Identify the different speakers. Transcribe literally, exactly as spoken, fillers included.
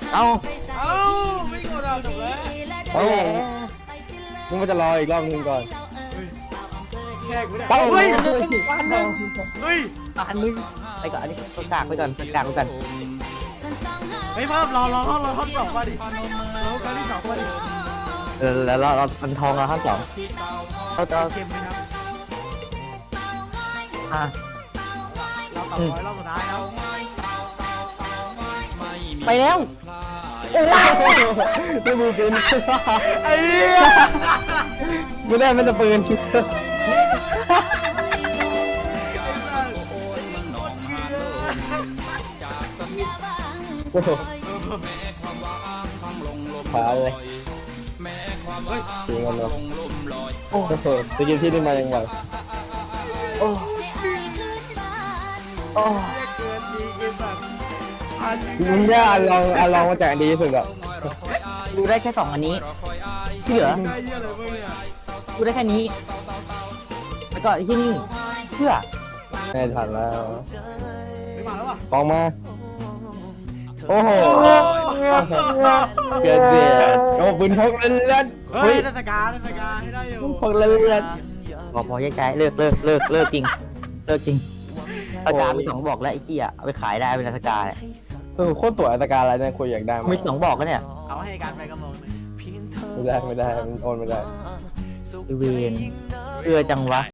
Speaker 1: เอ้า
Speaker 2: เอ้าไม่กดอ่ะจบแล้ว
Speaker 3: เอ้ามึงมันจะรออีกรอบนึงก่อน
Speaker 2: แขกไม่ได้
Speaker 3: เอ้า
Speaker 2: เฮ้ย
Speaker 3: วันนึง
Speaker 2: เฮ้ย
Speaker 1: อันนึงไปก่อนอันนี้ตัวกากไปก่อนตัวกากไปก่อน
Speaker 2: เฮ้ยเพิ่มรอรอรอรอท่อนสองมาดิรอการที่สองมาดิ
Speaker 1: แล้วเราเรามันทองเราข้างสองเขาจะ
Speaker 2: เกมไหมครับ
Speaker 1: อ่ะ
Speaker 2: เราต่อร้อยรอบสุดท้ายแล้ว
Speaker 1: ไปแล้ว
Speaker 3: ไม่มีปืน
Speaker 2: ไอ้เหี้ย
Speaker 3: ไม่ได้ไม่ได้ปืนโอ้โหขาเลยเสียงกันเนาะโอ้โหจะกินที่นี่มายังไงโอ้โอ้
Speaker 2: เกินดีเกินแบบพัน
Speaker 3: มึงย่าลองอ่ะลองมาจากดีที่สุดอะ
Speaker 1: ดูได้แค่สองอันนี้ที่เหลือ
Speaker 2: ได้เยอะเลยมึงเนี่ย
Speaker 1: ดูได้แค่นี้แล้วก็ที่นี่เพื่อ
Speaker 3: ไม่ทันแล้ว
Speaker 2: ไม่มาแล้วป่ะ
Speaker 3: ฟองมาโอ้โหเกิดเสียโอ้ปืนพกเล่น
Speaker 2: เฮ้ยนักการนักการให้ได้อยู่
Speaker 3: พกเล่น
Speaker 1: พอพอแยกย้ายเลิกเลิกเลิกเลิกจริงเลิกจริงอาการมีสองบอกแล้วไอ้เกี้ยเอาไปขายได้เป็นราชการ
Speaker 3: เออโคตรตัวอัตการอะไรเนี่ยคุยอยากได้
Speaker 1: มีสองบอกก็เนี่ย
Speaker 2: เอาให้การไปกำลัง
Speaker 3: ไม่ได้ไม่ได้มันโอนไม่ได้
Speaker 1: เวนเอือจังวะ